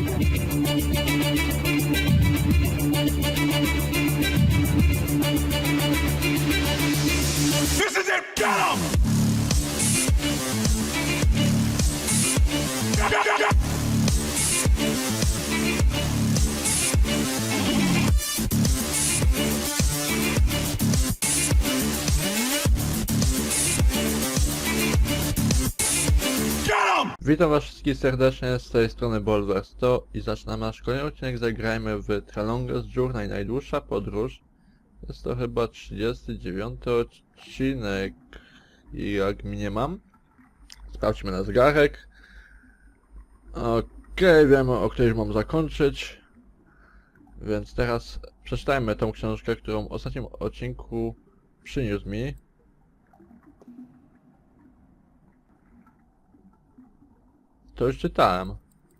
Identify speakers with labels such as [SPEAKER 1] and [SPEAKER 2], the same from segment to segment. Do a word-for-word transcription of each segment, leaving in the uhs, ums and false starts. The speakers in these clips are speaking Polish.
[SPEAKER 1] This is it! Get him! Get, get, get, get.
[SPEAKER 2] Witam was wszystkich serdecznie, z tej strony Bolwer sto i zaczynamy nasz kolejny odcinek. Zagrajmy w Tralongers Journey, najdłuższa podróż. Jest to chyba trzydziesty dziewiąty odcinek i jak mniemam. Sprawdźmy na zegarek. Okej, okay, wiemy, o której mam zakończyć. Więc teraz przeczytajmy tą książkę, którą w ostatnim odcinku przyniósł mi. To już czytałem.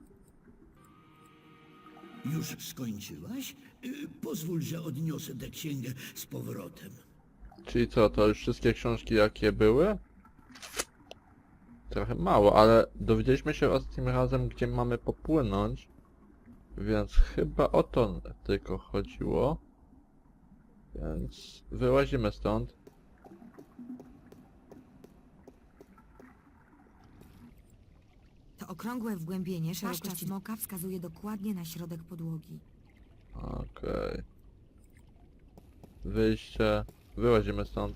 [SPEAKER 3] Już skończyłaś? Y, Pozwól, że odniosę tę księgę z powrotem.
[SPEAKER 2] Czyli co, to już wszystkie książki jakie były? Trochę mało, ale dowiedzieliśmy się ostatnim razem, gdzie mamy popłynąć. Więc chyba o to tylko chodziło. Więc wyłazimy stąd.
[SPEAKER 4] To okrągłe wgłębienie szerokości smoka wskazuje dokładnie na środek podłogi.
[SPEAKER 2] Okej. Wyjście. Wyłazimy stąd.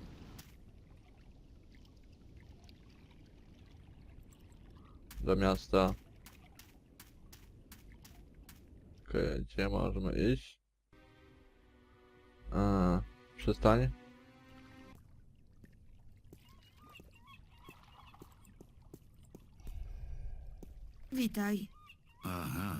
[SPEAKER 2] Do miasta. Okej, gdzie możemy iść? A, przystań.
[SPEAKER 4] Witaj.
[SPEAKER 3] Aha.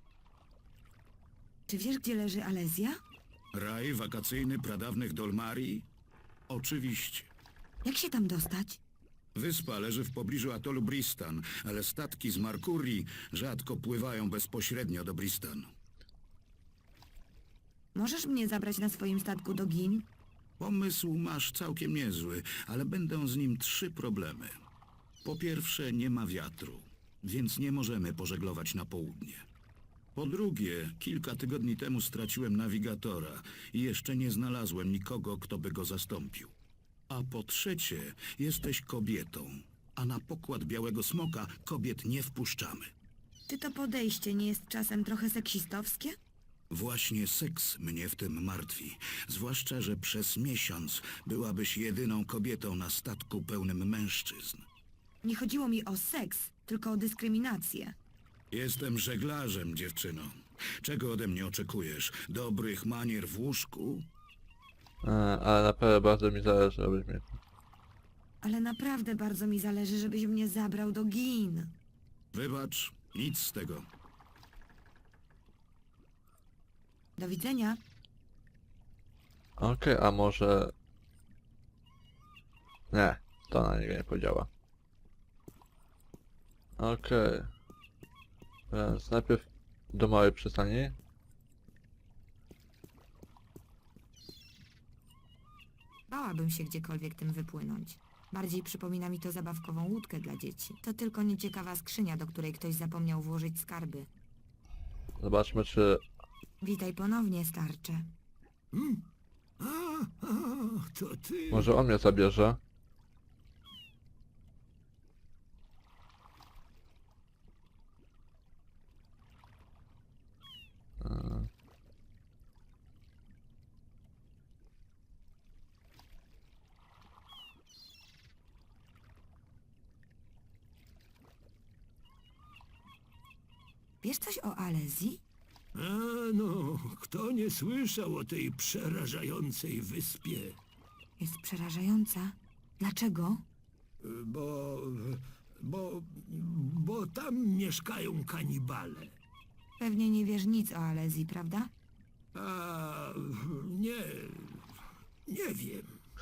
[SPEAKER 4] Czy wiesz, gdzie leży Alezja?
[SPEAKER 3] Raj wakacyjny pradawnych Dolmarii? Oczywiście.
[SPEAKER 4] Jak się tam dostać?
[SPEAKER 3] Wyspa leży w pobliżu atolu Bristan, ale statki z Markurii rzadko pływają bezpośrednio do Bristan.
[SPEAKER 4] Możesz mnie zabrać na swoim statku do Gin?
[SPEAKER 3] Pomysł masz całkiem niezły, ale będą z nim trzy problemy. Po pierwsze, nie ma wiatru, więc nie możemy pożeglować na południe. Po drugie, kilka tygodni temu straciłem nawigatora i jeszcze nie znalazłem nikogo, kto by go zastąpił. A po trzecie, jesteś kobietą, a na pokład Białego Smoka kobiet nie wpuszczamy.
[SPEAKER 4] Czy to podejście nie jest czasem trochę seksistowskie?
[SPEAKER 3] Właśnie seks mnie w tym martwi, zwłaszcza, że przez miesiąc byłabyś jedyną kobietą na statku pełnym mężczyzn.
[SPEAKER 4] Nie chodziło mi o seks, tylko o dyskryminację.
[SPEAKER 3] Jestem żeglarzem, dziewczyno. Czego ode mnie oczekujesz? Dobrych manier w łóżku?
[SPEAKER 2] A, ale naprawdę bardzo mi zależy, abyś mnie...
[SPEAKER 4] Ale naprawdę bardzo mi zależy, żebyś mnie zabrał do Gin.
[SPEAKER 3] Wybacz, nic z tego.
[SPEAKER 4] Do widzenia.
[SPEAKER 2] Okej, a może... Nie, to na niego nie podziała. Okej. Więc najpierw do małej przystani.
[SPEAKER 4] Bałabym się gdziekolwiek tym wypłynąć. Bardziej przypomina mi to zabawkową łódkę dla dzieci. To tylko nieciekawa skrzynia, do której ktoś zapomniał włożyć skarby.
[SPEAKER 2] Zobaczmy, czy...
[SPEAKER 4] Witaj ponownie, starcze.
[SPEAKER 3] A, a, to ty.
[SPEAKER 2] Może on mnie zabierze? Eee.
[SPEAKER 4] Wiesz coś o Alezji?
[SPEAKER 5] A no, kto nie słyszał o tej przerażającej wyspie?
[SPEAKER 4] Jest przerażająca. Dlaczego?
[SPEAKER 5] Bo... bo... bo tam mieszkają kanibale.
[SPEAKER 4] Pewnie nie wiesz nic o Alezji, prawda?
[SPEAKER 5] A... nie... nie wiem.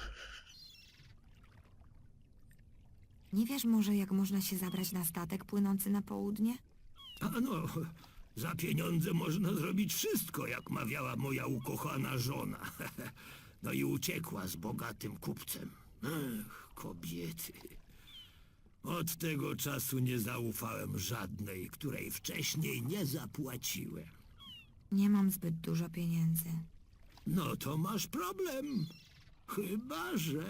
[SPEAKER 4] Nie wiesz może, jak można się zabrać na statek płynący na południe?
[SPEAKER 5] A no, za pieniądze można zrobić wszystko, jak mawiała moja ukochana żona. No i uciekła z bogatym kupcem. Ech, kobiety. Od tego czasu nie zaufałem żadnej, której wcześniej nie zapłaciłem.
[SPEAKER 4] Nie mam zbyt dużo pieniędzy.
[SPEAKER 5] No to masz problem. Chyba, że...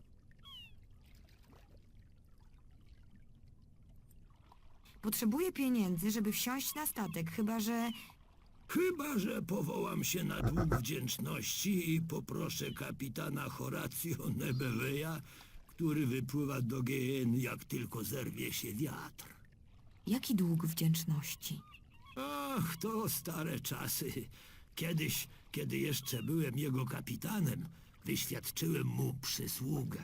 [SPEAKER 4] Potrzebuję pieniędzy, żeby wsiąść na statek, chyba że...
[SPEAKER 5] Chyba, że powołam się na dług wdzięczności i poproszę kapitana Horatio Nebeweya, który wypływa do G N jak tylko zerwie się wiatr.
[SPEAKER 4] Jaki dług wdzięczności?
[SPEAKER 5] Ach, to stare czasy. Kiedyś, kiedy jeszcze byłem jego kapitanem, wyświadczyłem mu przysługę.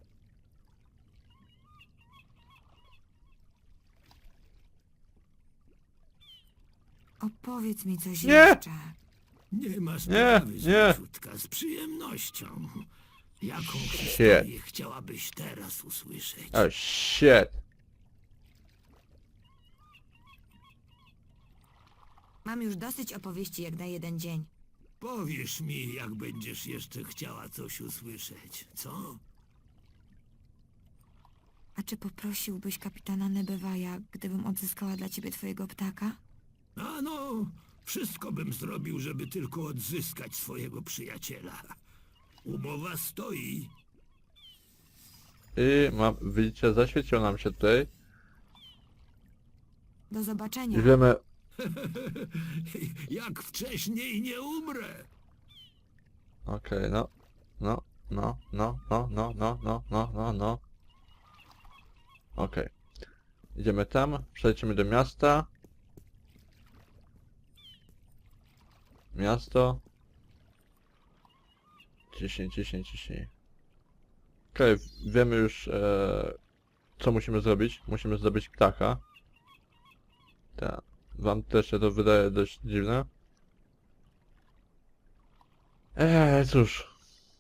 [SPEAKER 4] Opowiedz mi coś
[SPEAKER 2] Nie!
[SPEAKER 4] jeszcze.
[SPEAKER 5] Nie ma
[SPEAKER 2] Nie,
[SPEAKER 5] sprawy,
[SPEAKER 2] nie.
[SPEAKER 5] złodziutka, z przyjemnością. Jaką historię chciałabyś teraz usłyszeć?
[SPEAKER 2] Oh shit.
[SPEAKER 4] Mam już dosyć opowieści jak na jeden dzień.
[SPEAKER 5] Powiesz mi, jak będziesz jeszcze chciała coś usłyszeć, co?
[SPEAKER 4] A czy poprosiłbyś kapitana Nebewaja, gdybym odzyskała dla ciebie twojego ptaka?
[SPEAKER 5] A no, wszystko bym zrobił, żeby tylko odzyskać swojego przyjaciela. Umowa stoi.
[SPEAKER 2] I mam, widzicie, zaświeciło nam się tutaj.
[SPEAKER 4] Do zobaczenia.
[SPEAKER 2] I wiemy...
[SPEAKER 5] Jak wcześniej nie umrę.
[SPEAKER 2] Okej, no. No, no, no, no, no, no, no, no, no, no. Okej. Idziemy tam, przelecimy do miasta. Miasto. Ciśnij, ciśnij, ciśnij. Okej, wiemy już e, co musimy zrobić. Musimy zdobyć ptaka. Tak. Wam też się to wydaje dość dziwne. Eee, cóż.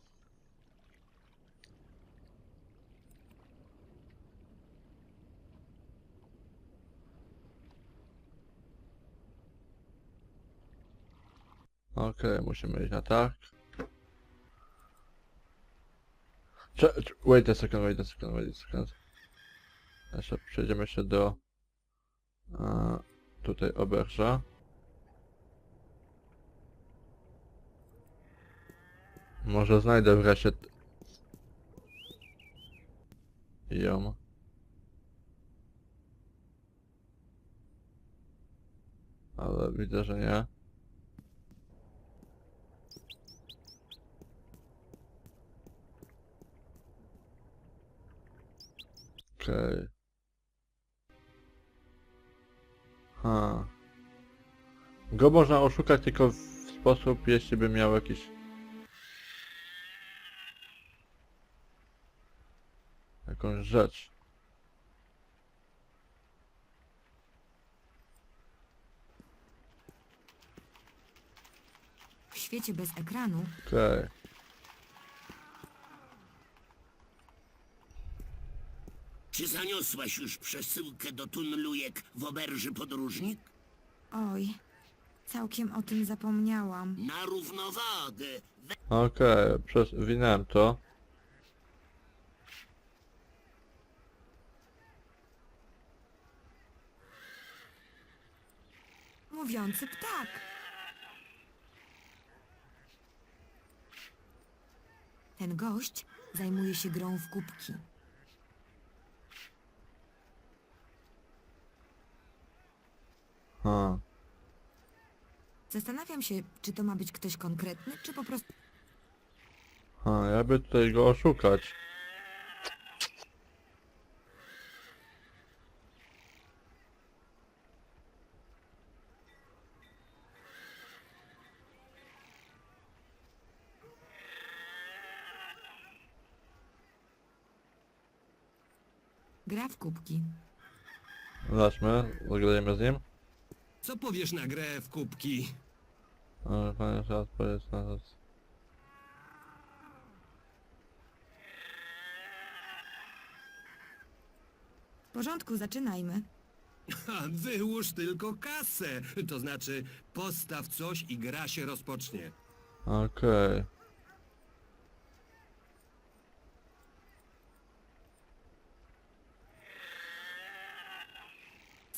[SPEAKER 2] Okej, musimy iść na tak. Cze cze- wait a second, wait a second, wait a second. Jeszcze przejdziemy się do... E, tutaj oberża. Może znajdę wreszcie... t- ją. Ale widzę, że nie. Okej. Ha. Go można oszukać tylko w sposób, jeśli by miał jakiś... jakąś rzecz.
[SPEAKER 4] W świecie bez ekranu
[SPEAKER 2] Okej.
[SPEAKER 6] Czy zaniosłaś już przesyłkę do tunelujek w oberży podróżnik?
[SPEAKER 4] Oj, całkiem o tym zapomniałam.
[SPEAKER 6] Na równowagę. We...
[SPEAKER 2] Okej, przewinąłem to.
[SPEAKER 4] Mówiący ptak. Ten gość zajmuje się grą w kubki.
[SPEAKER 2] Ha.
[SPEAKER 4] Zastanawiam się, czy to ma być ktoś konkretny, czy po prostu...
[SPEAKER 2] Ha, jakby tutaj go oszukać.
[SPEAKER 4] gra w kubki.
[SPEAKER 2] Zobaczmy, zagrajemy z nim.
[SPEAKER 7] Co powiesz na grę w kubki?
[SPEAKER 2] Ale panie, że odpowiedź na to.
[SPEAKER 4] W porządku, zaczynajmy.
[SPEAKER 7] Ha, wyłóż tylko kasę. To znaczy, postaw coś i gra się rozpocznie.
[SPEAKER 2] Okej.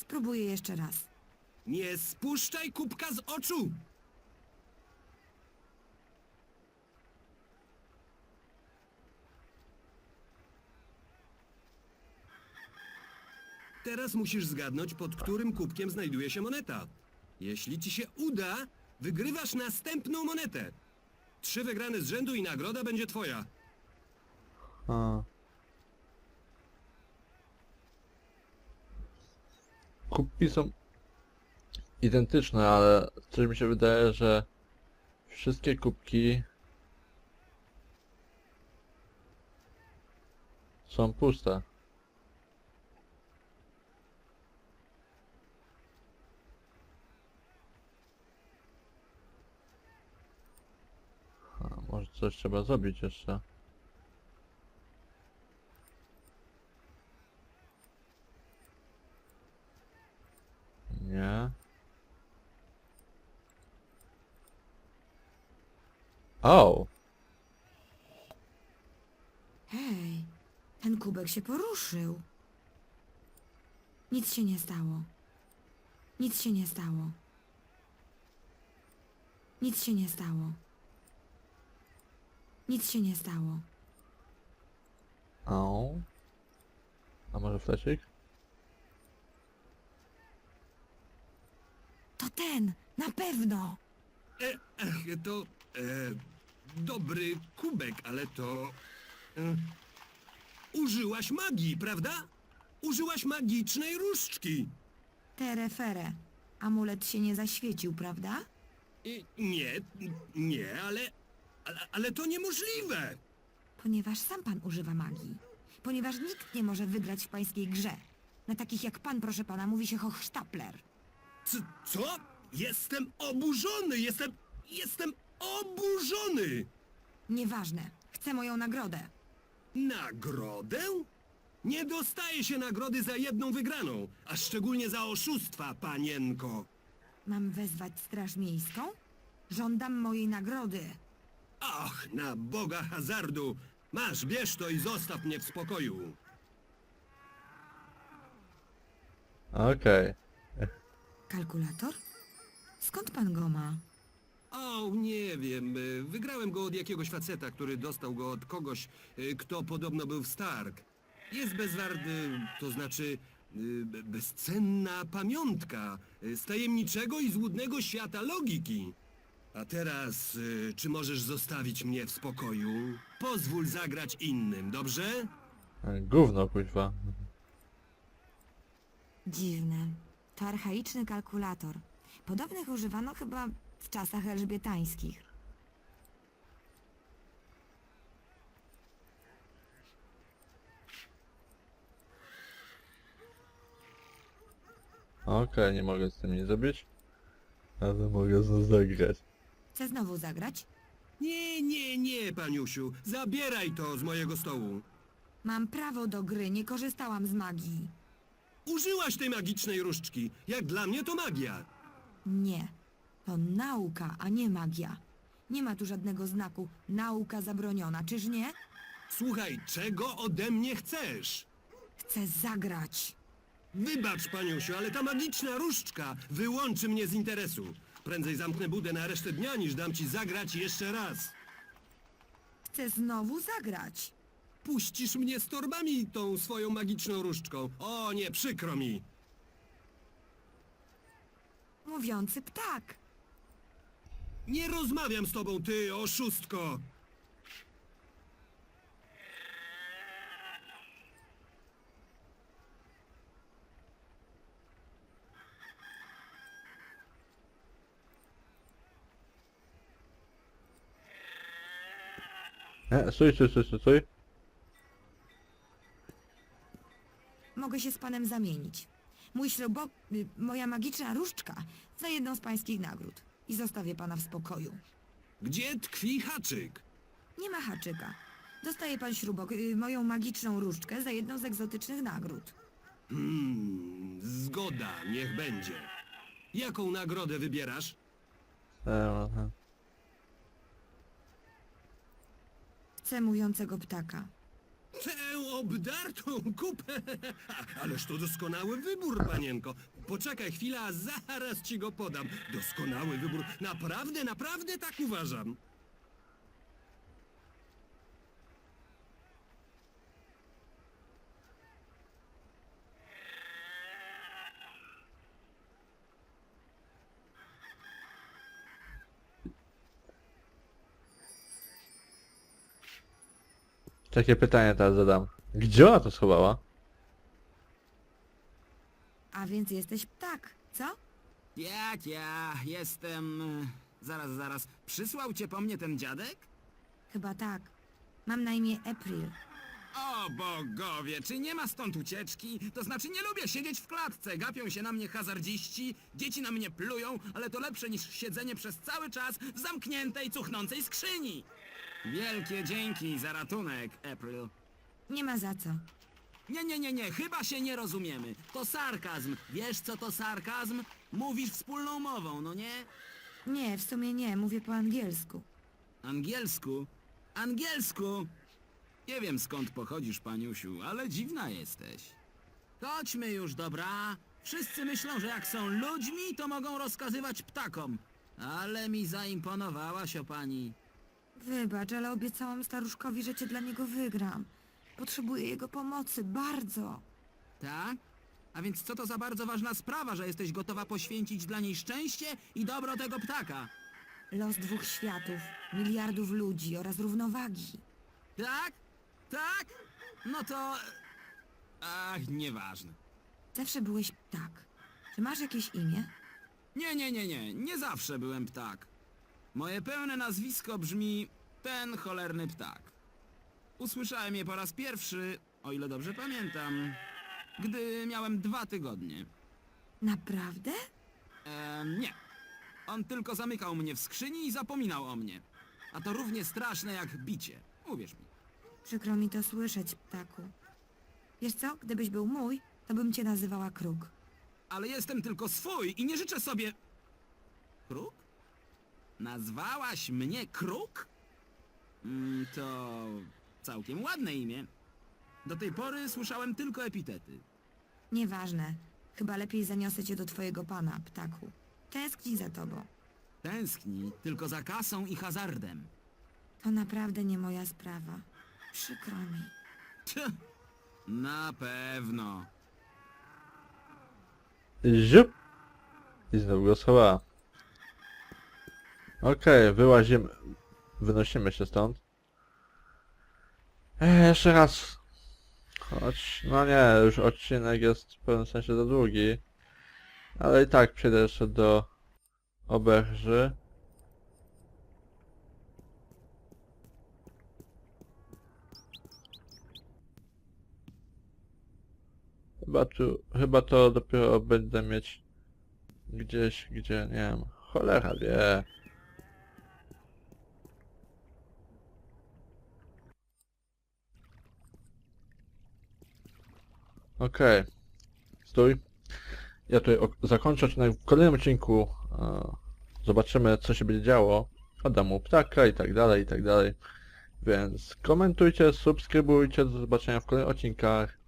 [SPEAKER 4] Spróbuję jeszcze raz.
[SPEAKER 7] Nie spuszczaj kubka z oczu! Teraz musisz zgadnąć, pod którym kubkiem znajduje się moneta. Jeśli ci się uda, wygrywasz następną monetę. Trzy wygrane z rzędu i nagroda będzie twoja.
[SPEAKER 2] A. Kubki są identyczne, ale coś mi się wydaje, że wszystkie kubki są puste. A, może coś trzeba zrobić jeszcze. Nie. O!
[SPEAKER 4] Hej, ten kubek się poruszył. Nic się nie stało. Nic się nie stało. Nic się nie stało. Nic się nie stało.
[SPEAKER 2] O. A może fleszyk?
[SPEAKER 4] To ten, na pewno.
[SPEAKER 7] E, ech, to e, dobry kubek, ale to... E, użyłaś magii, prawda? Użyłaś magicznej różdżki.
[SPEAKER 4] Terefere. Amulet się nie zaświecił, prawda?
[SPEAKER 7] I, nie, nie, ale, ale... Ale to niemożliwe!
[SPEAKER 4] Ponieważ sam pan używa magii. Ponieważ nikt nie może wygrać w pańskiej grze. Na takich jak pan, proszę pana, mówi się Hochstapler.
[SPEAKER 7] C co? Jestem oburzony! Jestem... Jestem oburzony!
[SPEAKER 4] Nieważne. Chcę moją nagrodę.
[SPEAKER 7] Nagrodę? Nie dostaje się nagrody za jedną wygraną, a szczególnie za oszustwa, panienko.
[SPEAKER 4] Mam wezwać straż miejską? Żądam mojej nagrody.
[SPEAKER 7] Ach, na Boga hazardu! Masz, bierz to i zostaw mnie w spokoju.
[SPEAKER 2] Okej.
[SPEAKER 4] Kalkulator? Skąd pan go ma?
[SPEAKER 7] O, nie wiem. y, Wygrałem go od jakiegoś faceta, który dostał go od kogoś, y, kto podobno był w Stark. Jest bezwarty, to znaczy y, be- bezcenna pamiątka y, z tajemniczego i złudnego świata logiki. A teraz, y, czy możesz zostawić mnie w spokoju? Pozwól zagrać innym, dobrze?
[SPEAKER 2] E, Gówno, kuźwa.
[SPEAKER 4] Dziwne. To archaiczny kalkulator. Podobnych używano chyba w czasach elżbietańskich.
[SPEAKER 2] Okej, nie mogę z tym nic zrobić. Ale mogę znów zagrać.
[SPEAKER 4] Chcę znowu zagrać?
[SPEAKER 7] Nie, nie, nie, paniusiu. Zabieraj to z mojego stołu.
[SPEAKER 4] Mam prawo do gry, nie korzystałam z magii.
[SPEAKER 7] Użyłaś tej magicznej różdżki. Jak dla mnie to magia.
[SPEAKER 4] Nie. To nauka, a nie magia. Nie ma tu żadnego znaku nauka zabroniona, czyż nie?
[SPEAKER 7] Słuchaj, czego ode mnie chcesz?
[SPEAKER 4] Chcę zagrać.
[SPEAKER 7] Wybacz, paniusiu, ale ta magiczna różdżka wyłączy mnie z interesu. Prędzej zamknę budę na resztę dnia, niż dam ci zagrać jeszcze raz.
[SPEAKER 4] Chcę znowu zagrać.
[SPEAKER 7] Puścisz mnie z torbami tą swoją magiczną różdżką. O nie, przykro mi.
[SPEAKER 4] Mówiący ptak.
[SPEAKER 7] Nie rozmawiam z tobą, ty oszustko.
[SPEAKER 2] E, stój, stój, stój, stój, stój.
[SPEAKER 4] Mogę się z panem zamienić. Mój śrubo... y, moja magiczna różdżka za jedną z pańskich nagród. I zostawię pana w spokoju.
[SPEAKER 7] Gdzie tkwi haczyk?
[SPEAKER 4] Nie ma haczyka. Dostaje pan śrubok, y, moją magiczną różdżkę za jedną z egzotycznych nagród.
[SPEAKER 7] Hmm, zgoda, niech będzie. Jaką nagrodę wybierasz?
[SPEAKER 2] E, aha.
[SPEAKER 4] Chcę mówiącego ptaka.
[SPEAKER 7] Tę obdartą kupę! Ależ to doskonały wybór, panienko. Poczekaj chwilę, a zaraz ci go podam. Doskonały wybór. Naprawdę, naprawdę tak uważam.
[SPEAKER 2] Takie pytanie teraz zadam. Gdzie ona to schowała?
[SPEAKER 4] A więc jesteś ptak, co?
[SPEAKER 8] Jak ja jestem... e, Zaraz, zaraz. Przysłał cię po mnie ten dziadek?
[SPEAKER 4] Chyba tak. Mam na imię April.
[SPEAKER 8] O bogowie, czy nie ma stąd ucieczki? To znaczy nie lubię siedzieć w klatce. Gapią się na mnie hazardziści, dzieci na mnie plują, ale to lepsze niż siedzenie przez cały czas w zamkniętej, cuchnącej skrzyni. Wielkie dzięki za ratunek, April.
[SPEAKER 4] Nie ma za co.
[SPEAKER 8] Nie, nie, nie, nie, chyba się nie rozumiemy. To sarkazm. Wiesz co to sarkazm? Mówisz wspólną mową, no nie?
[SPEAKER 4] Nie, w sumie nie, mówię po angielsku.
[SPEAKER 8] Angielsku? Angielsku? Nie wiem skąd pochodzisz, paniusiu, ale dziwna jesteś. Chodźmy już, dobra? Wszyscy myślą, że jak są ludźmi, to mogą rozkazywać ptakom. Ale mi zaimponowałaś, o pani.
[SPEAKER 4] Wybacz, ale obiecałam staruszkowi, że cię dla niego wygram. Potrzebuję jego pomocy, bardzo.
[SPEAKER 8] Tak? A więc co to za bardzo ważna sprawa, że jesteś gotowa poświęcić dla niej szczęście i dobro tego ptaka?
[SPEAKER 4] Los dwóch światów, miliardów ludzi oraz równowagi.
[SPEAKER 8] Tak? Tak? No to... Ach, nieważne.
[SPEAKER 4] Zawsze byłeś ptak. Czy masz jakieś imię?
[SPEAKER 8] Nie, nie, nie, nie. Nie zawsze byłem ptak. Moje pełne nazwisko brzmi ten cholerny ptak. Usłyszałem je po raz pierwszy, o ile dobrze pamiętam, gdy miałem dwa tygodnie.
[SPEAKER 4] Naprawdę?
[SPEAKER 8] Eee, nie. On tylko zamykał mnie w skrzyni i zapominał o mnie. A to równie straszne jak bicie. Uwierz mi.
[SPEAKER 4] Przykro mi to słyszeć, ptaku. Wiesz co, gdybyś był mój, to bym cię nazywała Kruk.
[SPEAKER 8] Ale jestem tylko swój i nie życzę sobie... Kruk? Nazwałaś mnie Kruk? Mm, to całkiem ładne imię. Do tej pory słyszałem tylko epitety.
[SPEAKER 4] Nieważne. Chyba lepiej zaniosę cię do twojego pana, ptaku. Tęskni za tobą.
[SPEAKER 8] Tęskni tylko za kasą i hazardem.
[SPEAKER 4] To naprawdę nie moja sprawa. Przykro mi.
[SPEAKER 8] Tch, na pewno.
[SPEAKER 2] Ziup! I znowu go schowała. Okej, wyłazimy. Wynosimy się stąd. Eee, jeszcze raz. Choć, no nie, już odcinek jest w pewnym sensie za długi. Ale i tak przejdę jeszcze do oberży. Chyba tu, chyba to dopiero będę mieć gdzieś, gdzie, nie wiem, cholera wie. Okej. Stój. Ja tutaj ok- zakończę odcinek w kolejnym odcinku. E, zobaczymy, co się będzie działo. Oddam mu ptaka i tak dalej, i tak dalej. Więc komentujcie, subskrybujcie, do zobaczenia w kolejnych odcinkach.